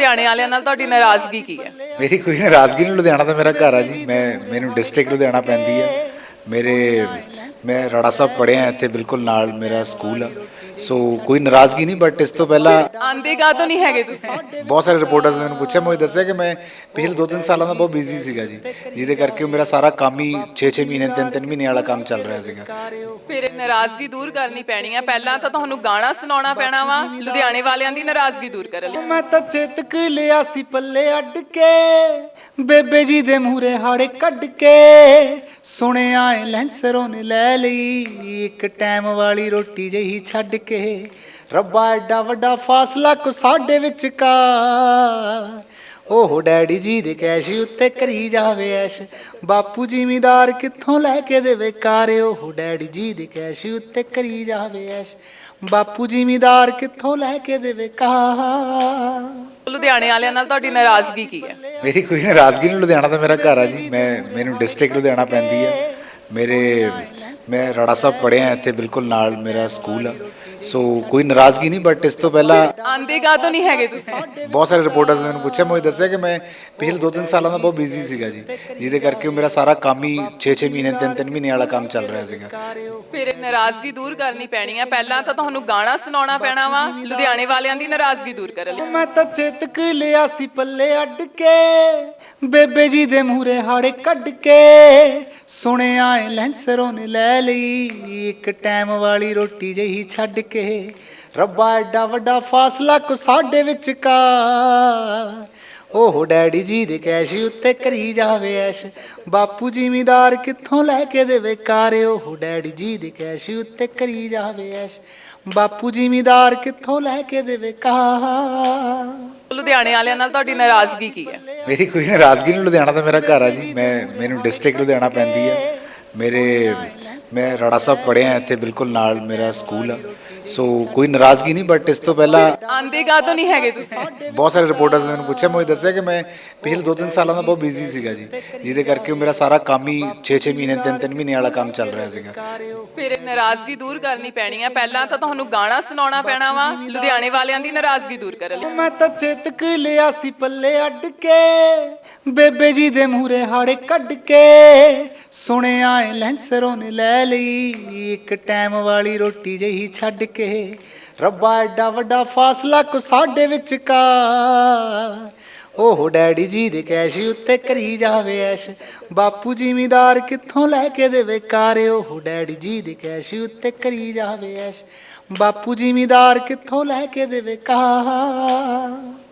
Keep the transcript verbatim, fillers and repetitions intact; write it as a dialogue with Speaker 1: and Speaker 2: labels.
Speaker 1: ਲੁਧਿਆਣੇ ਵਾਲਿਆਂ ਨਾਲ ਤੁਹਾਡੀ ਨਾਰਾਜ਼ਗੀ ਕੀ ਹੈ?
Speaker 2: ਮੇਰੀ ਕੋਈ ਨਾਰਾਜ਼ਗੀ ਨਹੀਂ। ਲੁਧਿਆਣਾ ਤਾਂ ਮੇਰਾ ਘਰ ਆ ਜੀ। ਮੈਂ ਮੈਨੂੰ ਡਿਸਟ੍ਰਿਕਟ ਲੁਧਿਆਣਾ ਪੈਂਦੀ ਆ। ਮੇਰੇ ਮੈਂ ਰਾੜਾ ਸਾਹਿਬ ਪੜ੍ਹਿਆ ਇੱਥੇ, ਬਿਲਕੁਲ ਨਾਲ ਮੇਰਾ ਸਕੂਲ ਆ। ਸੋ ਕੋਈ ਨਾਰਾਜ਼ਗੀ ਨਹੀਂ, ਬਟ ਇਸ ਤੋਂ ਪਹਿਲਾਂ
Speaker 1: ਆਂਦੇ ਕਾ ਤੋਂ ਨਹੀਂ ਹੈਗੇ ਤੁਸੀਂ?
Speaker 2: ਬਹੁਤ ਸਾਰੇ ਰਿਪੋਰਟਰਸ ਨੇ ਮੈਨੂੰ ਪੁੱਛਿਆ, ਮੈਂ ਦੱਸਿਆ ਕਿ ਮੈਂ ਪਿਛਲੇ ਦੋ ਤਿੰਨ ਸਾਲਾਂ ਦਾ ਬਹੁਤ ਬਿਜ਼ੀ ਸੀਗਾ ਜੀ, ਜਿਹਦੇ ਕਰਕੇ ਮੇਰਾ ਸਾਰਾ ਕੰਮ ਹੀ ਛੇ ਛੇ ਮਹੀਨੇ ਤਿੰਨ ਤਿੰਨ ਮਹੀਨੇ ਵਾਲਾ ਕੰਮ ਚੱਲ ਰਿਹਾ ਸੀਗਾ।
Speaker 1: ਫਿਰ ਇਹ ਨਾਰਾਜ਼ਗੀ ਦੂਰ ਕਰਨੀ ਪੈਣੀ ਹੈ। ਪਹਿਲਾਂ ਤਾਂ ਤੁਹਾਨੂੰ ਗਾਣਾ ਸੁਣਾਉਣਾ ਪੈਣਾ ਵਾ ਲੁਧਿਆਣੇ ਵਾਲਿਆਂ ਦੀ ਨਾਰਾਜ਼ਗੀ ਦੂਰ ਕਰਨ ਲਈ।
Speaker 3: ਮੈਂ ਤਾਂ ਚੇਤਕ ਲਿਆ ਸੀ ਪੱਲੇ ਅੱਡ ਕੇ, ਬੇਬੇ ਜੀ ਦੇ ਮੂਹਰੇ ਹਾੜੇ ਕੱਢ ਕੇ, ਸੁਣਿਆ ਏ ਲੈਂਸਰੋਂ ਨੇ ਲੈ ਲਈ ਇੱਕ ਟਾਈਮ ਵਾਲੀ ਰੋਟੀ ਜਿਹੀ ਛੱਡ ਕੇ। ਰੱਬਾ ਐਡਾ ਵੱਡਾ ਫਾਸਲਾ ਕੋ ਸਾਡੇ ਵਿਚਕਾਰ, ਉਹ ਡੈਡੀ ਜੀ ਦੇ ਕੈਸ਼ ਉੱਤੇ ਕਰੀ ਜਾਵੇ ਐਸ਼, ਬਾਪੂ ਜ਼ਿਮੀਦਾਰ ਕਿੱਥੋਂ ਲੈ ਕੇ ਦੇਵੇ ਕਾਰ। ਉਹ ਡੈਡੀ ਜੀ ਦੇ ਕੈਸ਼ ਉੱਤੇ ਕਰੀ ਜਾਵੇ ਐਸ਼, ਬਾਪੂ ਜ਼ਿਮੀਦਾਰ ਕਿੱਥੋਂ ਲੈ ਕੇ ਦੇਵੇ ਕਾਰ।
Speaker 1: ਲੁਧਿਆਣੇ ਵਾਲਿਆਂ ਨਾਲ ਤੁਹਾਡੀ ਨਾਰਾਜ਼ਗੀ ਕੀ ਹੈ?
Speaker 2: ਮੇਰੀ ਕੋਈ ਨਾਰਾਜ਼ਗੀ ਨਹੀਂ। ਲੁਧਿਆਣਾ ਤਾਂ ਮੇਰਾ ਘਰ ਆ ਜੀ। ਮੈਂ ਮੈਨੂੰ ਡਿਸਟ੍ਰਿਕਟ ਲੁਧਿਆਣਾ ਪੈਂਦੀ ਆ। ਮੇਰੇ ਮੈਂ ਰਾੜਾ ਸਾਹਿਬ ਪੜ੍ਹਿਆ ਇੱਥੇ, ਬਿਲਕੁਲ ਨਾਲ ਮੇਰਾ ਸਕੂਲ ਆ। ਸੋ ਕੋਈ ਨਾਰਾਜ਼ਗੀ ਨਹੀਂ, ਬਟ ਇਸ ਤੋਂ ਪਹਿਲਾਂ
Speaker 1: ਆਂਦੇ ਕਾ ਤੋਂ ਨਹੀਂ ਹੈਗੇ ਤੁਸੀਂ?
Speaker 2: ਬਹੁਤ ਸਾਰੇ ਰਿਪੋਰਟਰਸ ਨੇ ਮੈਨੂੰ ਪੁੱਛਿਆ, ਮੈਂ ਦੱਸਿਆ ਕਿ ਮੈਂ ਪਿਛਲੇ ਦੋ ਤਿੰਨ ਸਾਲਾਂ ਦਾ ਬਹੁਤ ਬਿਜ਼ੀ ਸੀਗਾ ਜੀ, ਜਿਹਦੇ ਕਰਕੇ ਮੇਰਾ ਸਾਰਾ ਕੰਮ ਹੀ ਛੇ ਛੇ ਮਹੀਨੇ ਤਿੰਨ ਤਿੰਨ ਮਹੀਨੇ ਵਾਲਾ ਕੰਮ ਚੱਲ ਰਿਹਾ ਸੀਗਾ।
Speaker 1: ਫਿਰ ਇਹ ਨਾਰਾਜ਼ਗੀ ਦੂਰ ਕਰਨੀ ਪੈਣੀ ਹੈ। ਪਹਿਲਾਂ ਤਾਂ ਤੁਹਾਨੂੰ ਗਾਣਾ ਸੁਣਾਉਣਾ ਪੈਣਾ ਵਾ ਲੁਧਿਆਣੇ ਵਾਲਿਆਂ ਦੀ ਨਾਰਾਜ਼ਗੀ ਦੂਰ ਕਰਨ ਲਈ।
Speaker 3: ਮੈਂ ਤਾਂ ਚੇਤਕ ਲਿਆ ਸੀ ਪੱਲੇ ਅੱਡ ਕੇ, ਬੇਬੇ ਜੀ ਦੇ ਮੂਹਰੇ ਹਾੜੇ ਕੱਢ ਕੇ, ਸੁਣਿਆ ਏ ਲੈਂਸਰੋਂ ਨੇ ਲੈ ਲਈ ਇੱਕ ਟਾਈਮ ਵਾਲੀ ਰੋਟੀ ਜਿਹੀ ਛੱਡ ਕੇ। ਰੱਬਾ ਐਡਾ ਵੱਡਾ ਫਾਸਲਾ ਕੋ ਸਾਡੇ ਵਿਚਕਾਰ, ਉਹ ਡੈਡੀ ਜੀ ਦੇ ਕੈਸ਼ ਉੱਤੇ ਕਰੀ ਜਾਵੇ ਐਸ਼, ਬਾਪੂ ਜ਼ਿਮੀਦਾਰ ਕਿੱਥੋਂ ਲੈ ਕੇ ਦੇਵੇ ਕਾਰ। ਉਹ ਡੈਡੀ ਜੀ ਦੇ ਕੈਸ਼ ਉੱਤੇ ਕਰੀ ਜਾਵੇ ਐਸ਼, ਬਾਪੂ ਜ਼ਿਮੀਦਾਰ ਕਿੱਥੋਂ ਲੈ ਕੇ ਦੇਵੇ ਕਾਰ।
Speaker 1: ਲੁਧਿਆਣੇ ਵਾਲਿਆਂ ਨਾਲ ਤੁਹਾਡੀ ਨਾਰਾਜ਼ਗੀ ਕੀ ਹੈ?
Speaker 2: ਮੇਰੀ ਕੋਈ ਨਾਰਾਜ਼ਗੀ ਨਹੀਂ। ਲੁਧਿਆਣਾ ਤਾਂ ਮੇਰਾ ਘਰ ਆ ਜੀ। ਮੈਂ ਮੈਨੂੰ ਡਿਸਟ੍ਰਿਕਟ ਲੁਧਿਆਣਾ ਪੈਂਦੀ ਆ। ਮੇਰੇ ਮੈਂ ਰਾੜਾ ਸਾਹਿਬ ਪੜ੍ਹਿਆ ਇੱਥੇ, ਬਿਲਕੁਲ ਨਾਲ ਮੇਰਾ ਸਕੂਲ ਆ। ਸੋ ਕੋਈ ਨਾਰਾਜ਼ਗੀ ਨਹੀਂ, ਬਟ ਇਸ ਤੋਂ ਪਹਿਲਾਂ
Speaker 1: ਆਂਦੇ ਕਾ ਤੋਂ ਨਹੀਂ ਹੈਗੇ ਤੁਸੀਂ?
Speaker 2: ਬਹੁਤ ਸਾਰੇ ਰਿਪੋਰਟਰਸ ਨੇ ਮੈਨੂੰ ਪੁੱਛਿਆ, ਮੈਂ ਦੱਸਿਆ ਕਿ ਮੈਂ ਪਿਛਲੇ ਦੋ ਤਿੰਨ ਸਾਲਾਂ ਦਾ ਬਹੁਤ ਬਿਜ਼ੀ ਸੀਗਾ ਜੀ, ਜਿਹਦੇ ਕਰਕੇ ਮੇਰਾ ਸਾਰਾ ਕੰਮ ਹੀ ਛੇ ਛੇ ਮਹੀਨੇ ਤਿੰਨ ਤਿੰਨ ਮਹੀਨੇ ਵਾਲਾ ਕੰਮ ਚੱਲ ਰਿਹਾ ਸੀਗਾ।
Speaker 1: ਫਿਰ ਇਹ ਨਾਰਾਜ਼ਗੀ ਦੂਰ ਕਰਨੀ ਪੈਣੀ ਹੈ। ਪਹਿਲਾਂ ਤਾਂ ਤੁਹਾਨੂੰ ਗਾਣਾ ਸੁਣਾਉਣਾ ਪੈਣਾ ਵਾ ਲੁਧਿਆਣੇ ਵਾਲਿਆਂ ਦੀ ਨਾਰਾਜ਼ਗੀ ਦੂਰ ਕਰਨ ਲਈ।
Speaker 3: ਮੈਂ ਤਾਂ ਚੇਤਕ ਲਿਆ ਸੀ ਪੱਲੇ ਅੱਡ ਕੇ, ਬੇਬੇ ਜੀ ਦੇ ਮੂਹਰੇ ਹਾੜੇ ਕੱਢ ਕੇ, ਸੁਣਿਆ ਏ ਲੈਂਸਰੋਂ ਨੇ ਲੈ ਲਈ ਇੱਕ ਟਾਈਮ ਵਾਲੀ ਰੋਟੀ ਜਿਹੀ ਛੱਡ ਕੇ। ਰੱਬਾ ਐਡਾ ਵੱਡਾ ਫਾਸਲਾ ਕੋ ਸਾਡੇ ਵਿਚਕਾਰ, ਉਹ ਡੈਡੀ ਜੀ ਦੇ ਕੈਸ਼ ਉੱਤੇ ਕਰੀ ਜਾਵੇ ਐਸ਼, ਬਾਪੂ ਜ਼ਿਮੀਦਾਰ ਕਿੱਥੋਂ ਲੈ ਕੇ ਦੇਵੇ ਕਾਰ। ਉਹ ਡੈਡੀ ਜੀ ਦੇ ਕੈਸ਼ ਉੱਤੇ ਕਰੀ ਜਾਵੇ ਐਸ਼, ਬਾਪੂ ਜ਼ਿਮੀਦਾਰ ਕਿੱਥੋਂ ਲੈ ਕੇ ਦੇਵੇ ਕਾਰ।